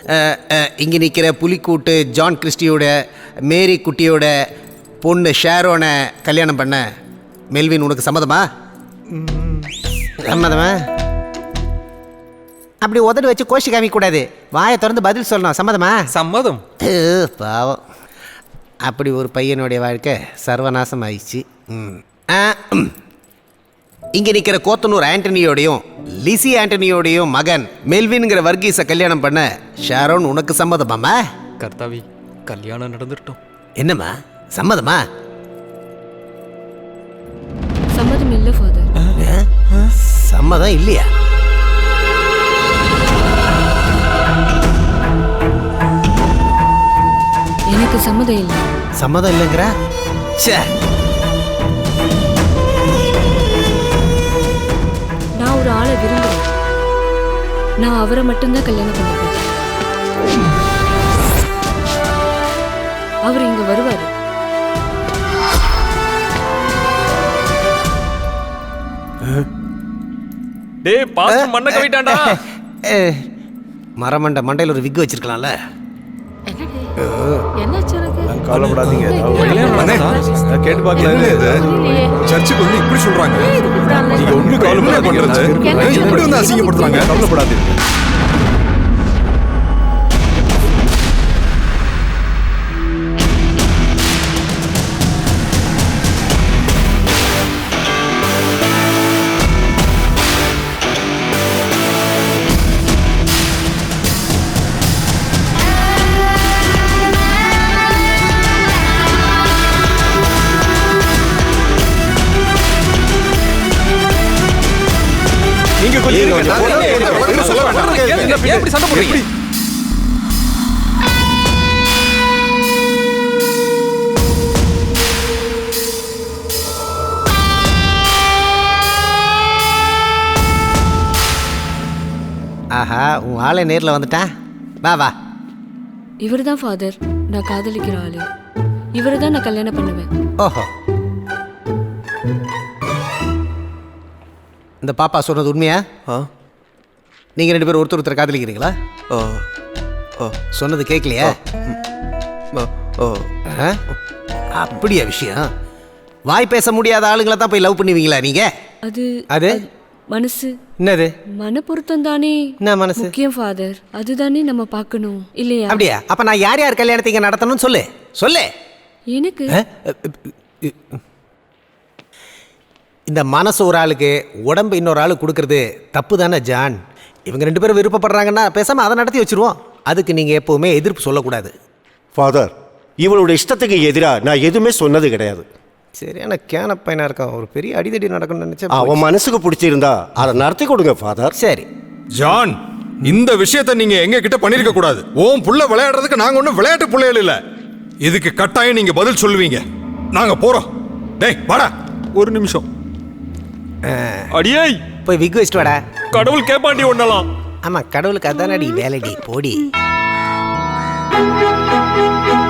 இங்கே நிற்கிற புலிக்கூட்டு ஜான் கிறிஸ்டியோட மேரி குட்டியோட பொண்ணு ஷேரோனை கல்யாணம் பண்ண மெல்வின் உனக்கு சம்மதமா? சம்மதமா? அப்படி உதடு வச்சு கோஷி காமிக்கக்கூடாது, வாயை திறந்து பதில் சொல்லணும். சம்மதமா? சம்மதம். பாவம், அப்படி ஒரு பையனுடைய வாழ்க்கை சர்வநாசம் ஆயிடுச்சு. இங்கே நிற்கிற கோத்தனூர் ஆண்டனியோடையும் லிசி ஆண்டனியோடையும் மகன் மெல்வின்கிற வர்கீஸை கல்யாணம் பண்ண ஷாரோன் உனக்கு சம்மதமாம்மா? கர்த்தாவி, கல்யாணம் நடந்துட்டோம். என்னம்மா, சம்மதமா? சம்மதம் இல்லை ஃபாதர். சம்மதம் இல்லையா? எனக்கு சம்மதம் இல்லை. சம்மதம் இல்லைங்கிற? நான் ஒரு ஆளை விரும்புறேன். நான் அவரை மட்டும்தான் கல்யாணம் பண்ணுவேன். அவர் இங்க வருவாரு. டேய், பாஸ்டர் மண்ணை கவிட்டான்டா. மரமண்ட மண்டையில் ஒரு விக்கு வச்சிருக்கலாம்ல. கவலைப்படாதீங்க, கேட்டு பார்க்கலாம். சர்ச்சுக்கு வந்து இப்படி சொல்றாங்க, நீங்க ஒண்ணு கவலைப்படாது, இப்படி வந்து அசிங்கப்படுத்துறாங்க. கவலைப்படாதீங்க. ஆஹா, உன் ஆளை நேரில் வந்துட்டான். வா வா. இவர் தான் ஃபாதர், நான் காதலிக்கிற ஆளு. இவரை தான் நான் கல்யாணம் பண்ணுவேன். ஓஹோ, இந்த பாப்பா சொன்னது உண்மையா? நீங்கள் ரெண்டு பேரும் ஒருத்தர் காதலிக்கிறீங்களா? சொன்னது கேட்கலையா? அப்படியா விஷயம்? வாய் பேச முடியாத ஆளுங்களை தான் போய் லவ் பண்ணுவீங்களா நீங்க? அது மனசு. என்னது? மன பொருத்தம் தானே மனசு முக்கியம் ஃபாதர். அதுதானே நம்ம பார்க்கணும் இல்லையா? அப்படியா? அப்ப நான் யார் யார் கல்யாணத்தை இங்க நடத்தணும் சொல்லு சொல்லு. எனக்கு இந்த மனசு ஒரு ஆளுக்கு, உடம்பு இன்னொரு ஆளுக்கு கொடுக்கறது தப்பு தானே ஜான்? இவங்க ரெண்டு பேரும் விருப்பப்படுறாங்கன்னா பேசாம அதை நடத்தி வச்சிருவோம். அதுக்கு நீங்க எப்பவுமே எதிர்ப்பு சொல்லக்கூடாது. ஃபாதர், இவளோட இஷ்டத்துக்கு எதிராக நான் எதுவுமே சொன்னது கிடையாது. சரியான கேன பையனா இருக்கான். ஒரு பெரிய அடிதடி நடக்கணும்னு நினைச்சேன். அவன் மனசுக்கு பிடிச்சிருந்தா அதை நடத்தி கொடுங்க ஃபாதர். சரி ஜான், இந்த விஷயத்தை நீங்க எங்க கிட்ட பண்ணிருக்க கூடாது. ஓம் புள்ள விளையாடுறதுக்கு நாங்க ஒன்றும் விளையாட்டு பிள்ளைகள் இல்ல. இதுக்கு கட்டாயம் நீங்க பதில் சொல்லுவீங்க. நாங்க போறோம். டேய் வாடா. ஒரு நிமிஷம். அடியே, போய் விக் வச்சுட்டு வாடா. கடவுள் கேப்பாண்டி. ஒண்ணலாம். ஆமா, கடவுளுக்கு அதானடி வேலைடி. போடி. கடவுளுக்கு அதானடி வேலைடி. போடி. ஃபாதர், கடவுளுக்கு அதானடி வேலைடி. போடி.